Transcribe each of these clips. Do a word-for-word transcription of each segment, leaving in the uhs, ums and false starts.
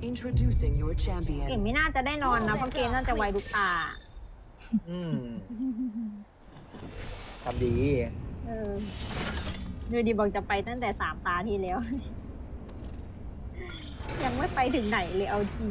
Introducing your champion เก่งไม่น่าจะได้นอนนะเพราะเกมน่าจะไวทุกตาอืมทำดีเออดูดีบอกจะไปตั้งแต่สามตาที่แล้ว ยังไม่ไปถึงไหนเลยเอาจริง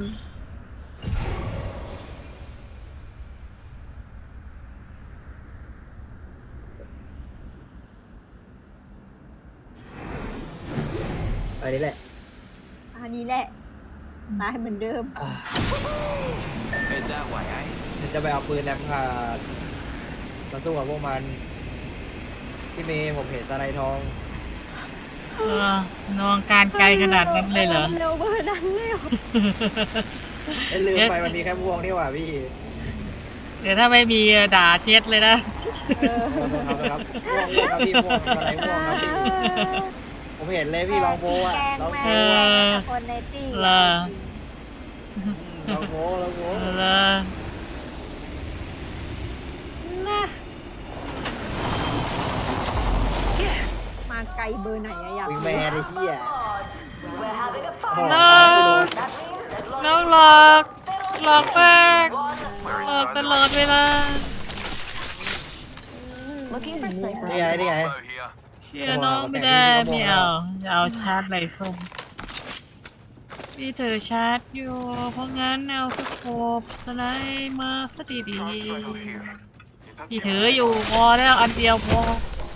อันนี้แหละอันนี้แหละตายเหมือนเดิมเป็นได้ไหวไอ้ฉันจะไปเอาปืนแลมพาดมาสู้กับพวกมันพี่เมย์ผมเห็นตะไลทองเออนองการไกลขนาดนั้นเลยเหรอเร็วเบอร์นั้นเลยเหรอลืมไปวันนี้แค่ม่วงนี่หว่าพี่เดี๋ยวถ้าไม่มีด่าเช็ดเลยนะครับม่วงม่วงครับพี่ม่วงตะไลม่วงครับพี่ผมเห็นเลยพี่ลองโบอ่ะลองโบคนในตีเหรอลองโบลองโบเหรอมาไกลเบอร์ไหนอะอยากวิ่งแม่ไอ้เหี้ยแล้วหลอกหลอกแป้งหลอกตลอดเวลานี่ไงนี่ไงเชื่อน้องไม่ได้ไม่เอาจะเอาชาร์จไรเฟิลที่เธอชาร์จอยู่เพราะงั้นเอาสโคปสไนมาซะดีๆที่ถืออยู่พอแล้วอันเดียวพอ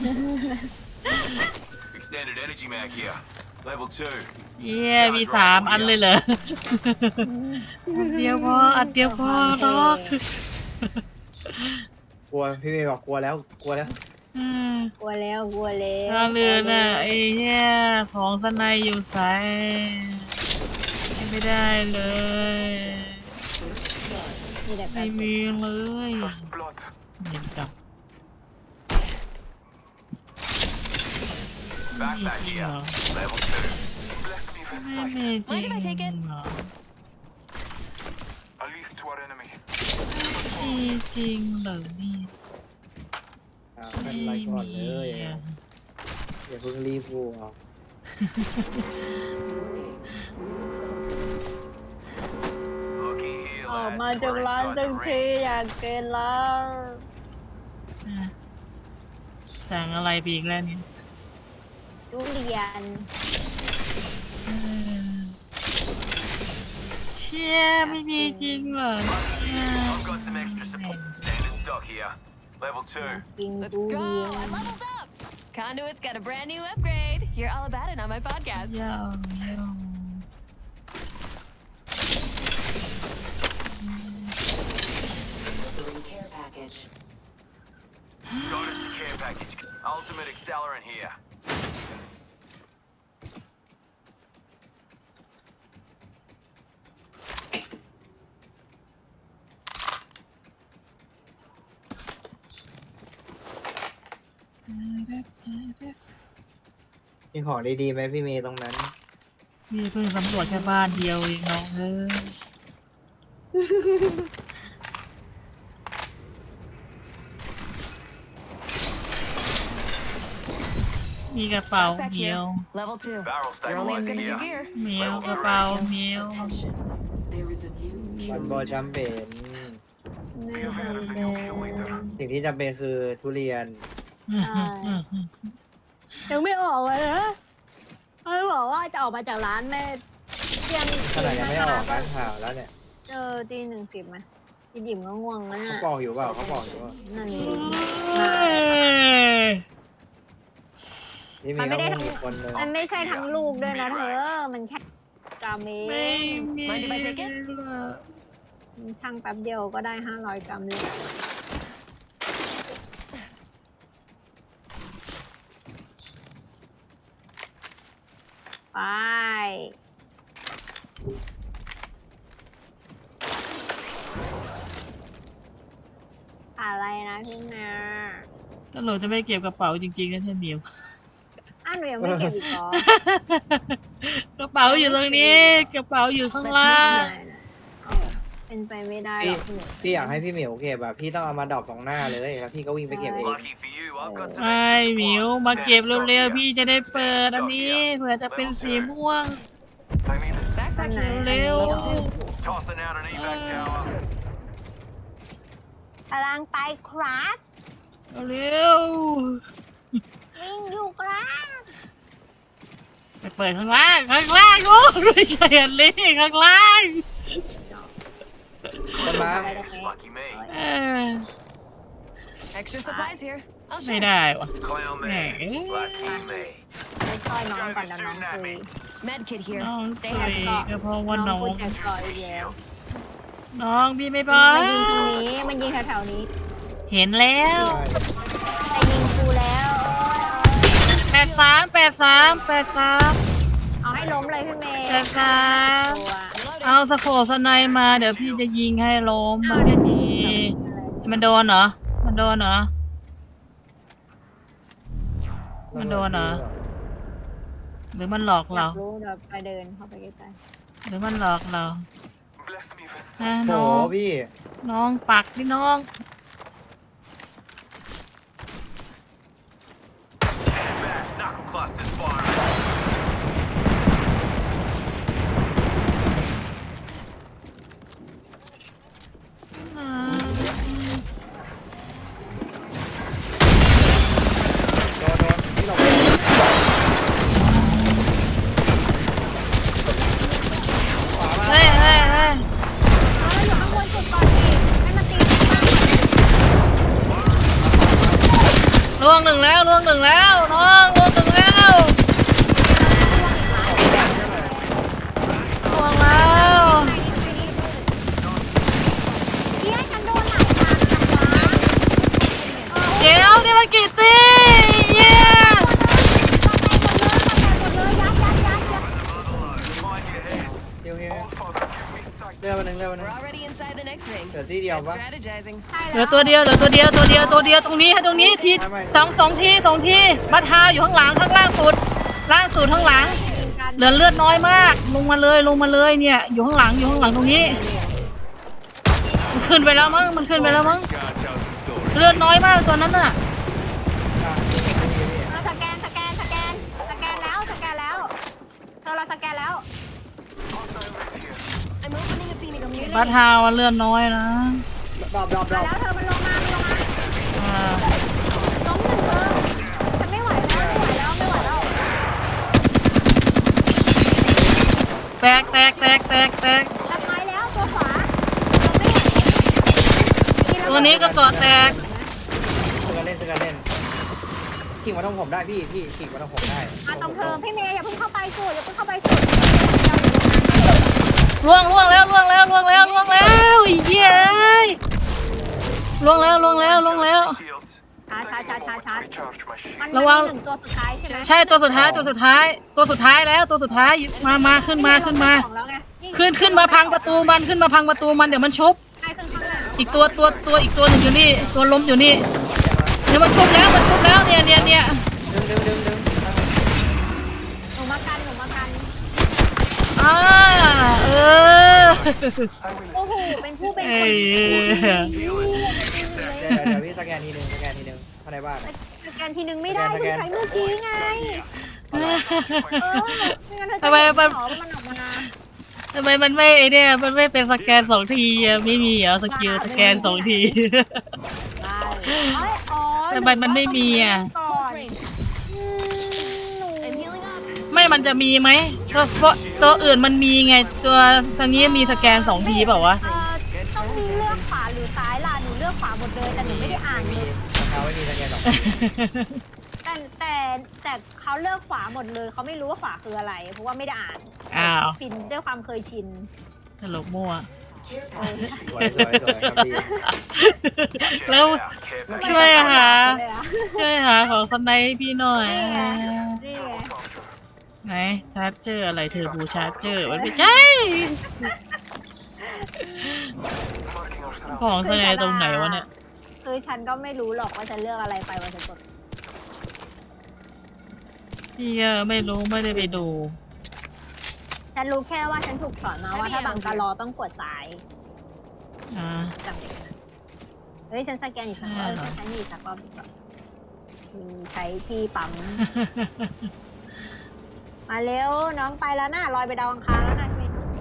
Extended energy mag here. Level two. เย้มีสามอันเลยเหรออันเดียวพออันเดียวพอหรอกกลัวพี่เมย์บอกกลัวแล้วกลัวแล้วกลัวแล้วกลัวแล้วถ้าเรือน่ะไอ้เหี้ยของสไนอยู่ใส่ไม่ได้เลยไม่มีเลยเห็นจับ Backpack here. Level two. Bless me with sight. Mind if I take it? A leaf to our enemy. จริงเหรอนี่เป็นไรก่อนเลยอย่าเพิ่งรีบพูดออกมาจากร้านจังทีอยากเกินแล้วสั่งอะไรไปอีกแล้วเนี่ยทุเรียนเชี่ยไม่มีจริงเหรอเนี่ย Level two. Let's go. I leveled up. Conduit's got a brand new upgrade. Hear all about it on my podcast. Yo, yo. care package. Bonus care package. Ultimate accelerant here. มีของดีๆไหมพี่เมย์ตรงนั้นพี่เพิ่งสำรวจแค่บ้านเดียวเองน้องเอ้ยมีกระเป๋าเมียว Level two. You're only as good as your gear. เมียวกระเป๋าเมียวมันบอจำเป็นสิ่งที่จำเป็นคือทุเรียนยังไม่ออกเลยนะเขาบอกว่าจะออกมาจากร้านแม่เที่ยงขนาดยังไม่ออกร้านข่าวแล้วเนี่ยเจอตีหนึ่งสิบไหมพี่ดิ๋มก็ง่วงแล้วน่ะเขาบอกอยู่เปล่าเขาบอกอยู่ว่านั่นเองมันไม่ได้ทั้งคนเลยมันไม่ใช่ทั้งลูกด้วยนะเธอมันแค่กรัมเองไม่ได้ไปเช็คเก็ตช่างแป๊บเดียวก็ได้ห้าร้อยกรัมเลยไปอะไรนะพี่แม่ถ้าหนูจะไม่เก็บกระเป๋าจริงๆนะท่านเหมียวอ้าวหนูยังไม่เก็บอีกเหรอกระเป๋าอยู่ตรงนี้กระเป๋าอยู่ข้างล่างเป็นไปไม่ได้หรอกพี่อยากให้พี่เหมียวเก็บแบบพี่ต้องเอามาดรอปตรงหน้าเลยแล้วพี่ก็วิ่งไปเก็บเองไอ้เหมียวมาเก็บเร็วๆพี่จะได้เปิดอันนี้เผื่อจะเป็นสีม่วงตอนไหนเร็ว Tossing out an evac tower. กำลังไปครับเร็ววิ่งอยู่ครับไปเปิดข้างล่างข้างล่างโอ้ไม่ใช่อันนี้ข้างล่างคนมาไปตรงนี้ Lucky me. เออ Extra supplies here. I'll ไม่ share. ได้วะ Clown me. Hey. Lucky me. ไปช่วยน้องก่อนนะน้องคุย Med kit here. น้อง Stay คุย happy. ก็เพราะว่าน้น้ออง งพูดจากก่อนอีกแล้วน้องพี่ไม่บอมันยิงตรงนี้มันยิงแถวๆนี้เห็นแล้วแต่ยิงกูแล้วแปดสามแปดสามแปดสามเอาให้ล้มเลยพี่เมย์แปดสามตัวเอาสโคปสไนด์มาเดี๋ยวพี่จะยิงให้ล้มมันไม่มีมันโดนเหรอมันโดนเหรอ มันโดนเหรอ หรือมันหลอกอยาเรากรู้เดี๋ยวไปเดินเข้าไปใกล้หรือมันหลอกเรา Bless me for อ่ะโถน้องพี่น้องปักพี่น้อง back. Knuckle clusters firing. อ่าโดนโดนพี่หลบเฮ้ยเฮ้ยเฮ้ยๆเอาอยู่ข้างบนสุดก่อนดิให้มันตีข้างล่างล่วงหนึ่งแล้วล่วงหนึ่งแล้วน้องล่วงหนึ่งแล้วล่วงแล้วเฮียฉันโดนหลายทางจังวะเดี๋ยวนี่มันกี่ตีเย้หมดเลยยัดยัดยัดยัด Mind your head. เดี๋ยวเฮีย Father, give me sight. เรือมาหนึ่งเรือมาหนึ่ง We're already inside the next ring. เดี๋ยวที่เดียว Good ปะ strategizing. เหลือตัวเดียวเหลือตัวเดียวตัวเดียวตัวเดียวตรงนี้ให้ตรงนี้ทีไม่ไม่สองสองทีสองทีบัตฮาอยู่ข้างหลังข้างล่างสุดล่างสุดข้างหลัง เหลือเลือดน้อยมาก ลงมาเลยลงมาเลยเนี่ย อยู่ข้างหลังอยู่ข้างหลังตรงนี้ มันขึ้นไปแล้วมั้งมันขึ้นไปแล้วมั้ง God tells the story. เลือดน้อยมากตัวนั้นน่ะอ่ะพี่พี่พี่เออสแกนสแกนสแกนสแกนแล้วสแกนแล้วเธอเราสแกนแล้ว I'm opening a Phoenix here. บัตฮาว่าเลือดน้อยนะดรอปดรอปดรมาอปแล้วเธอมันลงมามันลงมาอ่าล้มหนึ่งเธอฉันไม่ไหวแล้วไม่ไหวแล้วไม่ไหวแล้วแตกแตกแตกแตกแตกทำไมแล้วตัวขวาตัวนี้ก็เกาะแตกเสือกันเล่นเสือกันเล่นขิงมาตรงผมได้พี่พี่ขิงมาตรงผมได้มาตรงเธอพี่เมย์อย่าเพิ่งเข้าไปสุดอย่าเพิ่งเข้าไปสุดล่วงล่วงแล้วล่วงแล้วล่วงแล้วล่วงแล้วไอ้เหี้ยเอ้ยล่วงแล้วล่วงแล้วล่วงแล้ว Shields. ชาร์จชาร์จชาร์จชาร์จชาร์จ Recharge my shield. มันระวังมีหนึ่งตัวสุดท้ายใช่ไหมใช่ตัวสุดท้ายตัวสุดท้าย ตัวสุดท้ายแล้วตัวสุดท้ายมามาขึ้นมาขึ้นมาของแล้วไงขึ้นขึ้นมาพังประตูมันขึ้นมาพังประตูมันเดี๋ยวมันชุบใช่ขึ้นข้างหลังอีกตัวตัวตัวอีกตัวหนึ่งอยู่นี่ตัวล้มอยู่นี่เดี๋ยวมันชุบแล้วมันชุบแล้วเนี่ยเนี่ยเนี่ยดึงดึงดึงดึงหนูมากันหนูมากันอ่าเออโอ้โหเป็นผู้เป็นเอ้คนยเดี๋ยวเดี๋ยวพี่สแกนทีหนึ่งสแกนทีหนึ่งภายในบ้านสแกนทีนึงไม่ได้เพิ่งใช้เมื่อกี้ไงเออไม่งั้นเธอจะทำไมเห็นมันหรอมันออกมาทำไมมันไม่ไอเนี่ยมันไม่เป็นสแกนสองทีอะไม่มีเหรอสกิลสแกนสองทีได้เอ้ยอ๋อทำไมมันไม่มีอ่ะก่อ Close น range. อืมหนู I'm healing up. ไม่มันจะมีไหมเพราะเพราะตัวอื่นมันมีไงตัวทางนี้มีสแกนสองทีเปล่าวะเอ่อต้องเลือกขวาหรือซ้ายล่ะหนูเลือกขวาหมดเลยแต่หนูไม่ได้อ่านมีเลยเขาไม่มีสแกนหรอกแต่แต่แต่เขาเลือกขวาหมดเลยเขาไม่รู้ว่าขวาคืออะไร เพราะว่าไม่ได้อ่านอ้าวปินด้วยความเคยชินตลกมั่วเออสวยสวยสวยครับพี่แล้ว Care package. ช่วยหาเลยอะช่วยหาของสไนให้พี่หน่อยนี่ไงนี่ไงไหนชาร์จเจอร์อะไรเธอบูชาร์จเจอร์มันไม่ใช่ Marking our surroundings. ของสไนตรงไหนวะเนี่ยคือฉันก็ไม่รู้หรอกว่าจะเลือกอะไรไปวันจะกดพี่เออไม่รู้ไม่ได้ไปดูฉันรู้แค่ว่าฉันถูกสอนมาว่าถ้าบังกะลอต้องกดซ้ายอ่าจำได้เฮ้ยฉันสแกนอีกสักรอบอ่าเหรอฉันอีกสักรอบดีกว่าคือใช้ที่ปั๊ม มาเร็วน้องไปแล้วนะลอยไปดาวอังคารแล้วนะพี่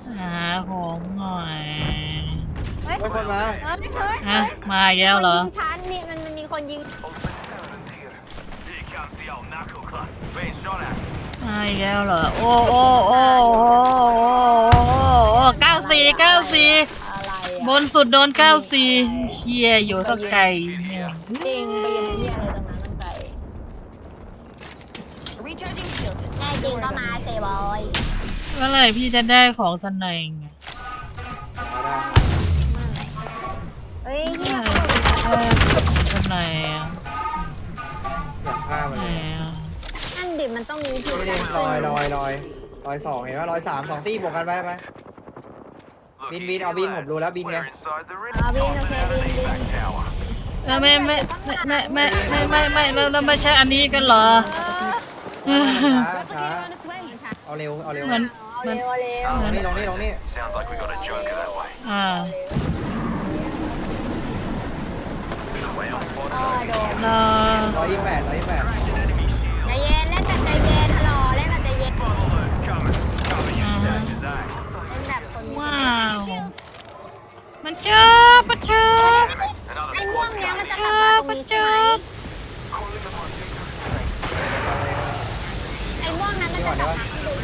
หาของหน่อยเฮ้ยไม่คนมาเฮ้ยเฮ้ยฮะมาอีกแล้วเหรอคนยิงชั้นนี่มันมันมีคนยิง Here comes the old knuckle club. Being shot at. มาอีกแล้วเหรอโอ้โอ้โอ้โอ้โอ้เก้าสี่เก้าสี่อะไรบอ่ะนสุดโดนเก้าสี่เชียอยู่สักไก่เนี่ยจริงไปยิงที่อะไรตรงนั้นตั้งใจ Recharging shields. แน่จริงก็มาเซบอยเมื่อไหร่พี่จะได้ของสนายไงเอาได้เฮ้ยเฮียสนายอ่ะอยากฆ่ามันไหนเลยอ่ะนั่นดิมันต้องมีผิดนี่นี่ลอยลอยลอยลอยสองเห็นว่าลอยสามสองตีบวกกันไปไป Look, Bin, you bin, two oh, bin, lads, ผมรู้แล้ว binไง we're inside the ring. อ่าบินโอเคบินบิน Tower. แล้วไม่ไม่ไม่ไม่ไม่ไม่ไม่ไม่แล้วแล้วไม่ใช่อันนี้กันเหรอช้า Replicator ช้า on its way. เอาเร็วเอาเร็วเหมือนเอาเร็วเอาเร็วลงนี่ลงนี่ลงนี่ Sounds like we got a joker that way. อ่า Well spotted. อ๋อโดนรอร้อยยี่สิบแปดร้อยยี่สิบแปด Cracking enemy ใจ shield. เย็นเล่นแบบใจเย็นฮัลโหลเล่นแบบใจเย็น Bottle alert's coming. Cover your stash today. เล่นแบบคนมีว้าว Shields. มันเจอปะเจอ Another ไอ้ม่วง squad's เนี้ยมัน coming. จะกลับมาตรงนี้ใช่ไหม Calling them on dangerous things. ไอ้ม่วงนั้นมันจะกลับมาที่ดู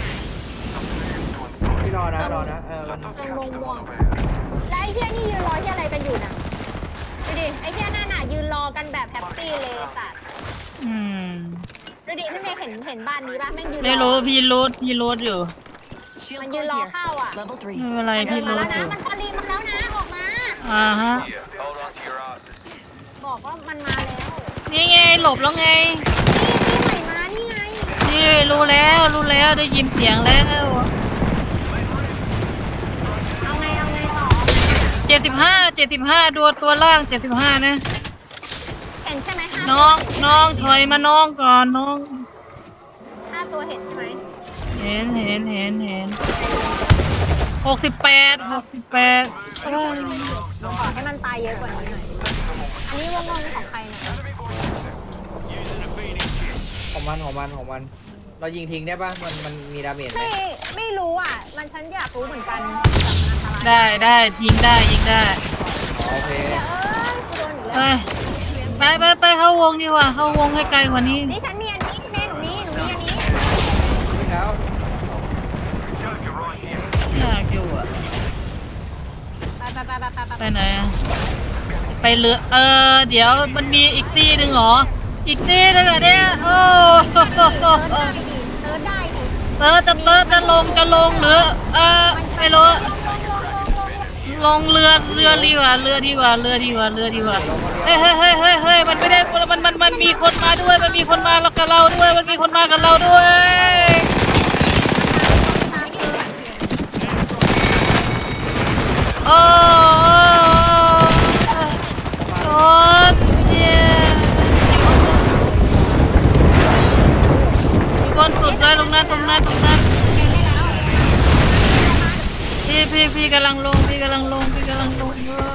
พี่รอนะรอนะเออ Let us Don't catch mong them mong. unaware. แล้วไอ้เพี้ยนี่ยืนรอที่อะไรกันอยู่น่ะดูดิไอ้เพี้ยนั่นน่ะยืนรอกันแบบแฮปปี้เลยสัตว์อืมดูดิพี่เมย์เห็นเห็นบ้านนี้ป่ะแม่งยืนไม่รู้พี่รูดพี่รูดอยู่ Shield มันยืน cord รอ here. เข้าอ่ะ Level ไม่ three. เป็นไรมันเดิพี่นมารูแล้ดวอนะยู่มันพอลีมาแล้วนะออกมาอ่าฮะ Here, hold on to your asses. บอกว่ามันมาแล้วนี่ไงหลบแล้วไงนี่ที่ใหม่มานี่ไงนี่รู้แล้วรู้แล้วได้ยินเสียงแล้วเอาไงเอาไงต่อเจ็ดสิบห้าเจ็ดสิบห้าดูตัวล่างเจ็ดสิบห้านะเห็นใช่ไหมห้าน้องน้องถอยมาน้องก่อนน้องห้าตัวเห็นใช่ไหมเห็นเห็นเห็นเห็นหกสิบแปดหกสิบแปดขอให้มันตายเยอะกว่านี้หน่อยอันนี้วงงของใครเนี่ยของมันของมันของมัน เรายิงทิ้งได้ป่ะมันมันมีดาเมจไหมไม่ไม่รู้อ่ะ มันฉันอยากรู้เหมือนกันแบบมันอันตรายได้ได้ยิงได้ยิงได้อ๋อโอเคเอ้ยกูโดนอีกไปแล้วไปไปไปเข้าวงดีกว่าเข้าวงให้ไกลกว่านี้นี่ฉันมีอันนี้แม่หนูนี้หนูมีอันนี้วิ่งแล้ว Joker right here. อยากอยู่อะไปไปไปไปไปไปไปไหนอะไปเรือเออเดี๋ยวมันมีอีกตีหนึ่งเหรออีกตีหนึงเหรอเนี่ยโอ้เติร์ดได้ดิเติร์ดได้ดิเติร์ดจะเติร์ดจะลงจะลงหรือเออไม่รู้ลงลงลงลงลงลงเรือเรือดีกว่าเรือดีกว่าเรือดีกว่าเรือดีกว่าเฮ้ยเฮ้ยเฮ้ยเฮ้ยเฮ้ยมันไม่ได้มันมันมันมีคนมาด้วยมันมีคนมาแล้วกับเราด้วยมันมีคนมากับเราด้วยโอ้โอ้เนี่ยมีคนสุดเลยตรงนั้นตรงนั้นตรงนั้นพี่พี่พี่กำลังลงพี่กำลังลงพี่กำลังลงเออ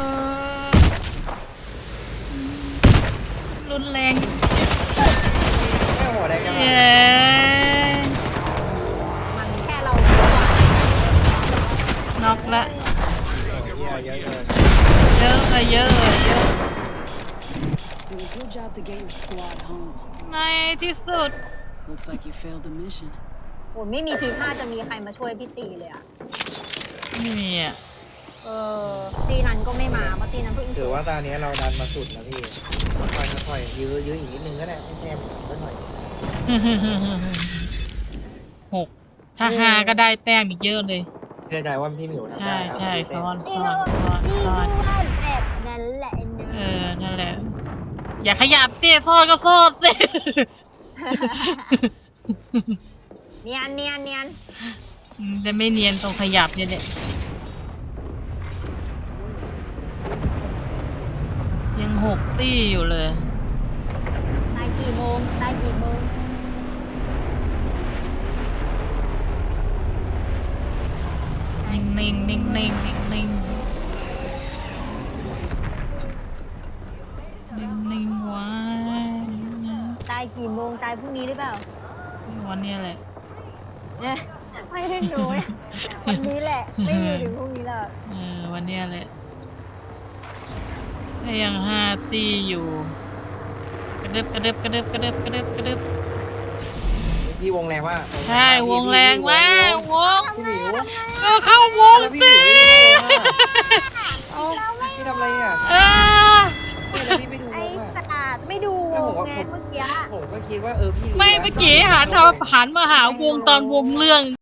รุนแรงแม่หัวแดงยังไงเย้มันแค่เราน็อกละเยอะเยอะเกินเยอะอะเยอะอะเยอะ It was your job to get your squad home. ในที่สุด Looks like you failed the mission. โอ้ไม่มีทีท่าจะมีใครมาช่วยพี่ตีเลยอ่ะไม่มีอ่ะเออตีนั้นก็ไม่มาเพราะตีนั้นเพิ่งถือว่าตอนนี้เราดันมาสุดแล้วพี่ค่อยๆค่อยๆยื้อยื้ออีกนิดนึงก็ได้ให้แค่ไม่หน่อยหกถ้าหาก็ได้แต้มอีกเยอะเลยเชื่อใจว่าพี่หมิวทำใช่ได้ครับใช่พี่เต้ซ้อนตีซ้อก็นซ้อนตีซ้ก็อนว่าแบบนั้นแหละนะเออนั่นแหละ อย่าขยับสิซ่อนก็ซ่อนสิเนียนเนียนเนียนอืมแต่ไม่เนียนตรงขยับเนี่ยแหละยังหกตี้อยู่เลยตายกี่โมงตายกี่โมงนิ่งนิ่งนิ่งนิ่งนิ่งนิ่งนิ่งนิ่งไว้ตายกี่โมงตายพรุ่งนี้หรือเปล่าวันนี้แหละเนี่ยไม่ได้หนูวันนี้แหละ ไม่อยู่ถึงพรุ่งนี้แล้วเออวันเนี้ยแหละถ้ายังห้าตีอยู่ กระดึบกระดึบกระดึบกระดึบกระดึบกระดึบพี่วงแรงมากใช่วงแรงมากวงพี่หมิวเออเข้าวงแล้วพี่หสิมิวไม่ได้วงอ่ะเอ้าพี่ทำอะไรอ่ะเออไม่แล้วพี่ไม่ดูวไอ้งอ่ะสตาร์ไม่ดูวงไงเมื่อกี้ผมก็คิดว่าเออพี่รู้ไม่แล้วเมื่อกี้หันหันมาหาวงตอนวงเรื่อง